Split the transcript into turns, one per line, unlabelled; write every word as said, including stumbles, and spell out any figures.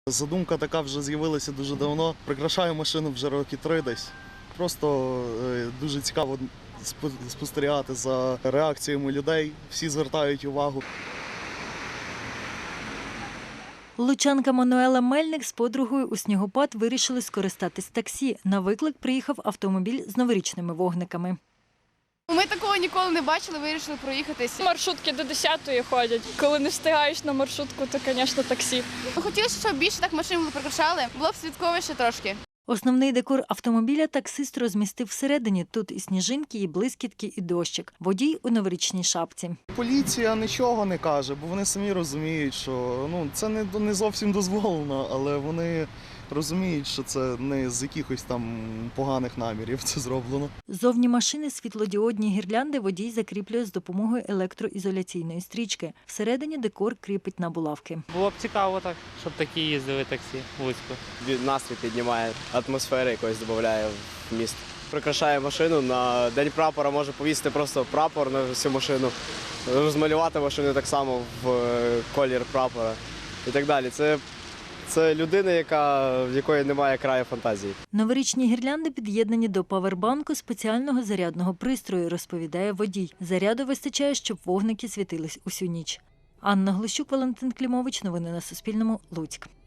Задумка така вже з'явилася дуже давно. Прикрашаю машину вже роки три десь. Просто дуже цікаво спостерігати за реакціями людей. Всі звертають увагу.
Лучанка Мануела Мельник з подругою у снігопад вирішили скористатись таксі. На виклик приїхав автомобіль з новорічними вогниками.
Ми такого ніколи не бачили, вирішили проїхатись.
Маршрутки до десятої ходять. Коли не встигаєш на маршрутку, то, звісно, таксі.
Хотілося, щоб більше так машин прикрашали, було б святковіше трошки.
Основний декор автомобіля таксист розмістив всередині. Тут і сніжинки, і блискітки, і дощик. Водій у новорічній шапці.
Поліція нічого не каже, бо вони самі розуміють, що ну, це не, не зовсім дозволено, але вони розуміють, що це не з якихось там поганих намірів це зроблено.
Зовні машини світлодіодні гірлянди водій закріплює з допомогою електроізоляційної стрічки. Всередині декор кріпить на булавки.
Було б цікаво так, щоб такі їздили таксі в Луцьку.
Настрій піднімає, атмосфери якось додає в місто. Прикрашає машину, на День прапора може повісити просто прапор на всю машину, розмалювати машину так само в колір прапора і так далі. Це Це людина, яка, в якої немає краю фантазії.
Новорічні гірлянди під'єднані до павербанку спеціального зарядного пристрою, розповідає водій. Заряду вистачає, щоб вогники світились усю ніч. Анна Глущук, Валентин Клімович. Новини на Суспільному. Луцьк.